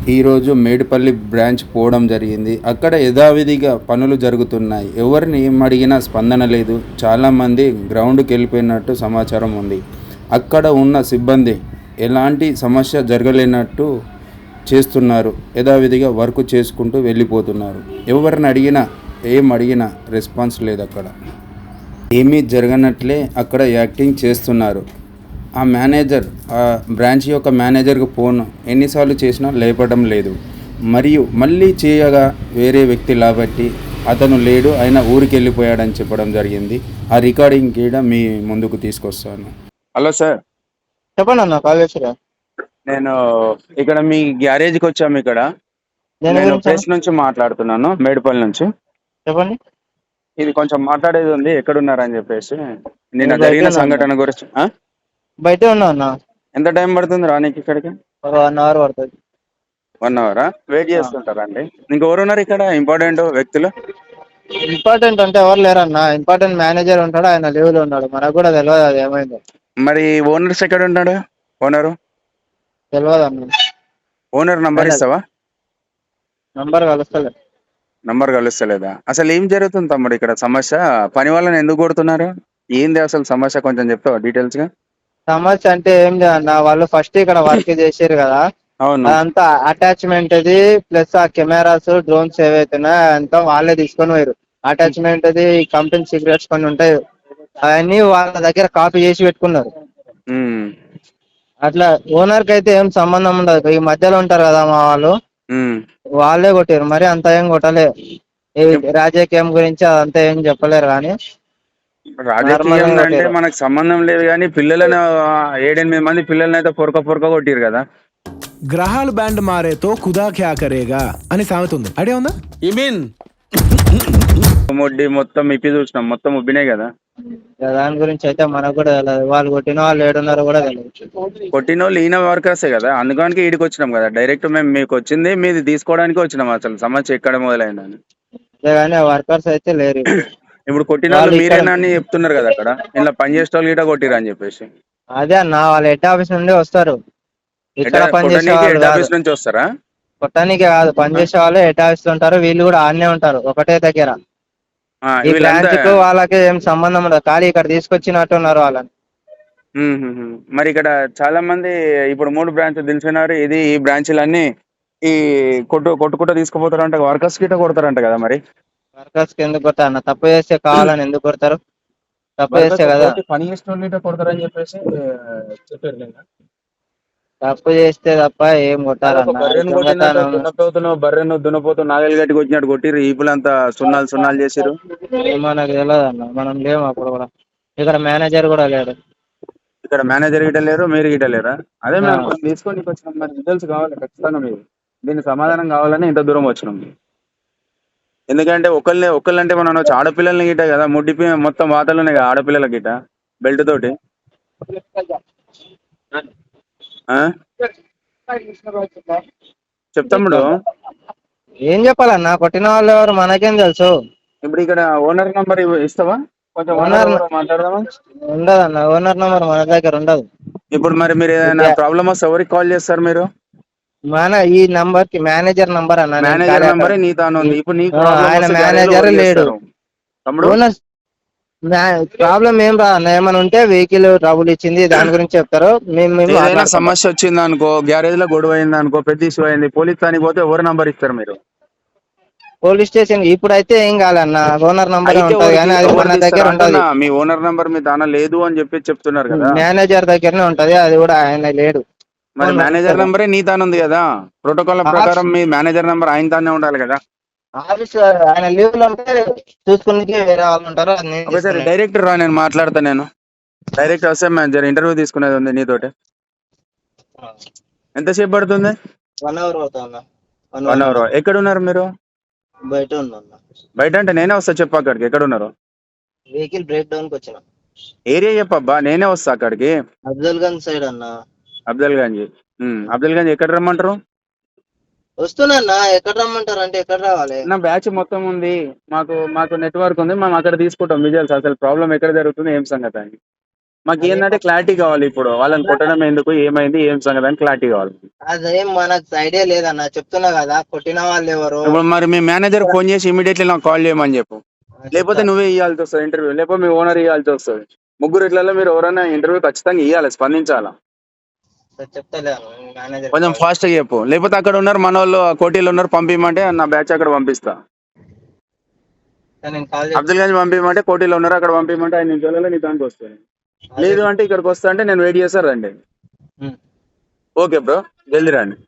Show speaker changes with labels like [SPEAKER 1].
[SPEAKER 1] ఈరోజు మేడిపల్లి బ్రాంచ్ పోవడం జరిగింది. అక్కడ యథావిధిగా పనులు జరుగుతున్నాయి. ఎవరిని ఏం అడిగినా స్పందన లేదు. చాలామంది గ్రౌండ్కి వెళ్ళిపోయినట్టు సమాచారం ఉంది. అక్కడ ఉన్న సిబ్బంది ఎలాంటి సమస్య జరగలేనట్టు చేస్తున్నారు. యథావిధిగా వర్క్ చేసుకుంటూ వెళ్ళిపోతున్నారు. ఎవరిని అడిగినా ఏం అడిగినా రెస్పాన్స్ లేదు. అక్కడ ఏమీ జరగనట్లే అక్కడ యాక్టింగ్ చేస్తున్నారు. ఆ మేనేజర్, ఆ బ్రాంచ్ యొక్క మేనేజర్కి ఫోన్ ఎన్నిసార్లు చేసినా లేపడం లేదు. మరియు మళ్ళీ చేయగా వేరే వ్యక్తి కాబట్టి అతను లేడు, ఆయన ఊరికి వెళ్ళిపోయాడని చెప్పడం జరిగింది. ఆ రికార్డింగ్ కూడా మీ ముందుకు తీసుకొస్తాను. హలో సార్,
[SPEAKER 2] చెప్పండి అన్న. కాల్ చేసిరా?
[SPEAKER 1] నేను ఇక్కడ మీ గ్యారేజ్కి వచ్చాము. ఇక్కడ
[SPEAKER 2] దేని
[SPEAKER 1] నేను
[SPEAKER 2] గురించి అన్న?
[SPEAKER 1] ప్రెస్ నుంచి మాట్లాడుతున్నాను, మేడిపల్లి నుంచి.
[SPEAKER 2] చెప్పండి.
[SPEAKER 1] ఇది కొంచెం మాట్లాడేది ఉంది, ఎక్కడున్నారని చెప్పేసి. నిన్న
[SPEAKER 2] నేను బయటే
[SPEAKER 1] జరిగిన
[SPEAKER 2] ఉన్నా అన్న.
[SPEAKER 1] సంఘటన గురించి.
[SPEAKER 2] బయటే ఉన్నా అన్న.
[SPEAKER 1] ఎంత టైం పడుతుంది రానికి ఇక్కడికి?
[SPEAKER 2] ఒక 1 అవర్ పడుతుంది.
[SPEAKER 1] 1 అవరా? వెయిట్ చేస్తుంటారండి. ఇంకెవరున్నారు ఇక్కడ ఇంపార్టెంట్ వ్యక్తులు?
[SPEAKER 2] ఇంపార్టెంట్ అంటే ఎవరు లేరన్న. ఇంపార్టెంట్ మేనేజర్ ఉంటాడు, ఆయన లీవ్ లో ఉన్నాడు. మనకు కూడా తెలియదు అది ఏమైందో.
[SPEAKER 1] మరి ఓనర్స్ ఎక్కడ ఉన్నాడు?
[SPEAKER 2] తెలియదు అన్న.
[SPEAKER 1] ఓనర్ నంబర్ ఇస్తావా?
[SPEAKER 2] నంబర్ కలుస్తలే.
[SPEAKER 1] నంబర్ కలుస్తలేదా? అసలు ఏం జరుగుతుంది తమ్ముడు ఇక్కడ సమస్య? పని వాళ్ళని ఎందుకు కొడుతున్నారు? ఏంది అసలు సమస్య, కొంచెం చెప్తావా డీటెయిల్స్ గా?
[SPEAKER 2] సమస్య అంటే ఏం లేదన్న, వాళ్ళు ఫస్ట్ ఇక్కడ వర్క్ చేసారు కదా,
[SPEAKER 1] అవును.
[SPEAKER 2] అదంతా అటాచ్మెంట్ అది ప్లస్ ఆ కెమెరాస్ డ్రోన్స్ ఏవైతున్నాయో అంతా వాళ్ళే తీసుకొని పోయారు. అటాచ్మెంట్ అది కంపెనీ సీక్రెట్స్ కొన్ని ఉంటాయి, అవన్నీ వాళ్ళ దగ్గర కాపీ చేసి పెట్టుకున్నారు.
[SPEAKER 1] ఉమ్,
[SPEAKER 2] అట్లా ఓనర్ కి అయితే ఏం సంబంధం ఉండదు. ఈ మధ్యలో ఉంటారు కదా మా వాళ్ళు,
[SPEAKER 1] ఉమ్.
[SPEAKER 2] వాళ్ళే కొట్టారు. మరి అంత ఏం కొట్టలే. ఈ రాజకీయం గురించి అదంతా ఏం చెప్పలేరు కానీ నార్మల్
[SPEAKER 1] రాజకీయం
[SPEAKER 2] గా
[SPEAKER 1] అంటే
[SPEAKER 2] కొట్టారు.
[SPEAKER 1] మనకు సంబంధం లేదు, కానీ పిల్లలను 7-8 మంది పిల్లల్ని అయితే పొరక కొట్టిరు కదా.
[SPEAKER 3] గ్రహాలు బ్యాండ్ మారేతో ఖుదా క్యా కరేగా అని సామెత ఉంది, ఐడియా ఉందా?
[SPEAKER 4] You mean
[SPEAKER 1] మొడ్డి మొత్తం ఇప్పి చూసినాం, మొత్తం ఉబ్బినాయి కదా.
[SPEAKER 2] దాని గురించి అయితే మనకు కూడా తెలియదు. వాళ్ళు కొట్టిన వాళ్ళు ఏడున్నారో కూడా తెలియదు.
[SPEAKER 1] కొట్టిన వాళ్ళు ఈయన వర్కర్సే కదా, అందుకనికి ఈడికి వచ్చినాం కదా. డైరెక్ట్ మేము మీకు వచ్చింది మీది తీసుకోవడానికి వచ్చినాం. అసలు సమస్య ఎక్కడ మొదలైందని.
[SPEAKER 2] అంతేగాని వర్కర్స్ అయితే లేరు ఇప్పుడు.
[SPEAKER 1] ఇప్పుడు కొట్టిన వాళ్ళు
[SPEAKER 2] వాళ్ళు ఇక్కడ
[SPEAKER 1] మీరేనా అని చెప్తున్నారు కదా అక్కడ. ఇలా పని చేసే వాళ్ళు గిట్ట కొట్టిరు అని చెప్పేసి.
[SPEAKER 2] అదే అన్న, వాళ్ళ హెడ్ ఆఫీస్ నుండి వస్తారు. ఇక్కడ పనిచేసే
[SPEAKER 1] కొట్టడానికి
[SPEAKER 2] వాళ్ళు
[SPEAKER 1] హెడ్
[SPEAKER 2] కాదు,
[SPEAKER 1] ఆఫీస్ నుంచి వస్తారా?
[SPEAKER 2] కొట్టడానికి కాదు, పనిచేసే వాళ్ళు హెడ్ ఆఫీస్ లో ఉంటారు. వీళ్ళు కూడా ఆడనే ఉంటారు, ఒకటే దగ్గర. ఈ
[SPEAKER 1] వీళ్ళంతా.
[SPEAKER 2] బ్రాంచ్ కు వాళ్ళకి ఏం సంబంధం ఉండదు, ఖాళీ ఇక్కడ తీసుకొచ్చినట్టు ఉన్నారు వాళ్ళని.
[SPEAKER 1] మరి ఇక్కడ చాలా మంది ఇప్పుడు 3 బ్రాంచ్ తెలిసినారు. ఈ బ్రాంచ్లన్నీ ఈ కొట్టుకుంటూ తీసుకుపోతారంట, వర్కర్స్ గిట్ట కొడతారంట కదా. మరి
[SPEAKER 2] వర్కర్స్ కి ఎందుకు కొడతారు అన్న? తప్పు చేస్తే కావాలని ఎందుకు కొడతారు? తప్పు చేస్తే
[SPEAKER 1] వర్కర్స్
[SPEAKER 2] కదా.
[SPEAKER 1] పని చేసిన వాళ్ళు గిట్ట కొడతారని చెప్పేసి చెప్పారు నిన్న.
[SPEAKER 2] తప్పు చేస్తే తప్ప ఏం
[SPEAKER 1] ఒక
[SPEAKER 2] కొట్టారన్న?
[SPEAKER 1] బర్రెను కొట్టినట్టు
[SPEAKER 2] దొంగతనం
[SPEAKER 1] దున్నపోతును బర్రెను దున్నపోతు నాగలి గట్టి కొట్టినట్టు కొట్టిరు. ఈపులంతా సున్నాలు చేసిరు.
[SPEAKER 2] మనకు తెలియదు అన్న, మనం లేము అప్పుడు కూడా. ఇక్కడ మేనేజర్ కూడా లేడు.
[SPEAKER 1] ఇక్కడ మేనేజర్ గిట్ట లేరు, మీరు గిట్ట లేరా? అదే
[SPEAKER 2] ఆ,
[SPEAKER 1] మేము తీసుకొని వచ్చినాం. మరి డీటెయిల్స్ కావాలి ఖచ్చితంగా. మీరు దీనికి సమాధానం కావాలని ఇంత దూరం వచ్చినాం. ఎందుకంటే ఒకళ్ళంటే మనం అనొచ్చు, ఆడపిల్లల్ని గిట్ట కదా. మొత్తం వాతలు ఉన్నాయి కదా ఆడపిల్లల గిట్ట, బెల్ట్ తోటి. ఆ చెప్తాముడు.
[SPEAKER 2] ఏం చెప్పాలన్నా? కొట్టిన వాళ్ళు ఎవరు మనకేం తెలుసు?
[SPEAKER 1] ఇప్పుడు ఇక్కడ ఓనర్ నంబర్ ఇస్తావా? కొంచెం ఓనర్
[SPEAKER 2] ఓనర్
[SPEAKER 1] ఎవరో మాట్లాడదామా?
[SPEAKER 2] ఉండదన్న, ఓనర్ నెంబర్ మన దగ్గర ఉండదు.
[SPEAKER 1] ఇప్పుడు మరి మీరు ఏదైనా ప్రాబ్లమ్ వస్తే ఎవరికి కాల్ చేస్తారు మీరు?
[SPEAKER 2] మన ఈ నంబర్ కి మేనేజర్ నంబర్ అన్న. నేను
[SPEAKER 1] మేనేజర్
[SPEAKER 2] ఖాళీ అక్కడ.
[SPEAKER 1] నంబరే నీ తాను ఉంది. ఇప్పుడు నీకు
[SPEAKER 2] ఆ,
[SPEAKER 1] ప్రాబ్లమ్
[SPEAKER 2] ఆయన
[SPEAKER 1] వస్తే గ్యారేజ్
[SPEAKER 2] మేనేజర్
[SPEAKER 1] ఎవరికి
[SPEAKER 2] లేడు.
[SPEAKER 1] చేస్తారు తమ్ముడు?
[SPEAKER 2] ఓనర్ ప్రాబ్లం ఏం రా అన్న, ఏమైనా ఉంటే వెహికల్ ట్రబుల్ ఇచ్చింది దాని గురించి చెప్తారు. మేము
[SPEAKER 1] ఏదైనా
[SPEAKER 2] మాట్లాడుకుంటాం.
[SPEAKER 1] సమస్య వచ్చింది అనుకో, గ్యారేజ్ లో గొడవ అయింది అనుకో, పెద్ద ఇష్యూ అయింది, పోలీస్ తానికి పోతే ఎవరు నంబర్ ఇస్తారు మీరు?
[SPEAKER 2] పోలీస్ స్టేషన్ ఇప్పుడైతే ఏం కాదన్న, ఓనర్ నంబరే
[SPEAKER 1] అయితే
[SPEAKER 2] ఉంటది కానీ అది
[SPEAKER 1] ఎవరు
[SPEAKER 2] మన దగ్గర
[SPEAKER 1] తీస్తారు
[SPEAKER 2] ఉంటది.
[SPEAKER 1] అంటున్నా. మీ ఓనర్ నంబర్ మీ దాన లేదు అని చెప్పి చెప్తున్నారు కదా.
[SPEAKER 2] మేనేజర్ దగ్గరనే ఉంటది, అది కూడా ఆయన లేడు.
[SPEAKER 1] మరి మేనేజర్ నంబరే నీ తాను ఉంది కదా. ప్రోటోకాల్ ప్రకారం మీ మేనేజర్ నంబర్ ఆయన తానే ఉండాలి కదా.
[SPEAKER 2] ఆఫీస్ ఆయన లీవ్ లో ఉంటే చూసుకునే వేరే వాళ్ళు ఉంటారు, అది నేను
[SPEAKER 1] ఒకసారి
[SPEAKER 2] తీసుకునేది.
[SPEAKER 1] డైరెక్టర్ రా, నేను మాట్లాడతా. నేను డైరెక్ట్ వస్తే మేనేజర్ ఇంటర్వ్యూ తీసుకునేది ఉంది నీతోటి. ఎంతసేపు పడుతుంది?
[SPEAKER 2] 1 అవర్ అవుతా అన్న.
[SPEAKER 1] 1 అవర్. ఎక్కడ ఉన్నారు మీరు?
[SPEAKER 2] బయట ఉన్నా.
[SPEAKER 1] బయట అంటే నేనే వస్తా, చెప్పు అక్కడికి. ఎక్కడ ఉన్నారు?
[SPEAKER 2] వెహికల్ బ్రేక్ డౌన్ కి వచ్చిన.
[SPEAKER 1] ఏరియా చెప్పబ్బా, నేనే వస్తా అక్కడికి.
[SPEAKER 2] అఫ్జల్ గంజ్ సైడ్ అన్న.
[SPEAKER 1] అఫ్జల్ గంజ్. అఫ్జల్ గంజ్ ఎక్కడ రమ్మంటారు?
[SPEAKER 2] వస్తున్నా అన్న. ఎక్కడ రమ్మంటారు అంటే ఎక్కడ రావాలి?
[SPEAKER 1] నా బ్యాచ్ మొత్తం ఉంది, మాకు నెట్వర్క్ ఉంది, మేము అక్కడ తీసుకుంటాం విజువల్స్. అసలు ప్రాబ్లం ఎక్కడ జరుగుతుంది, ఏం సంగతి అని. మాకు ఏంటంటే క్లారిటీ కావాలి. ఇప్పుడు వాళ్ళని కొట్టడం ఎందుకు, ఏమైంది, ఏం సంగతి అని క్లారిటీ కావాలి.
[SPEAKER 2] అదేం మనకు ఐడియా లేదన్న, చెప్తున్నా కదా కొట్టిన వాళ్ళు ఎవరు.
[SPEAKER 1] ఇప్పుడు మరి మీ మేనేజర్ ఫోన్ చేసి ఇమీడియట్లీ నాకు కాల్ చేయమని చెప్పు. లేకపోతే నువ్వే ఇవ్వాల్సి వస్తుంది ఇంటర్వ్యూ, లేకపోతే మీ ఓనర్ ఇవ్వాల్సి వస్తుంది. ముగ్గురు ఇట్లలో మీరు ఎవరైనా ఇంటర్వ్యూ ఖచ్చితంగా ఇవ్వాలి, స్పందించాలా.
[SPEAKER 2] చెప్తలేను మేనేజర్.
[SPEAKER 1] కొంచెం ఫాస్ట్ గా చెప్పు. లేకపోతే అక్కడ ఉన్నారు మన వాళ్ళు, కోటీలు ఉన్నారు, పంపించమంటే నా బ్యాచ్ అక్కడ పంపిస్తా.
[SPEAKER 2] నేను కాల్
[SPEAKER 1] అబ్దుల్ గంజ్ పంపించమంటే కోటీలో ఉన్నారు, అక్కడ పంపించమంటే 5 నిమిషాలలో నీ దానికి వస్తుంది. లేదు అంటే ఇక్కడికి వస్తా అంటే నేను వెయిట్ చేస్తా, రండి. ఓకే బ్రో, జల్దీ రండి.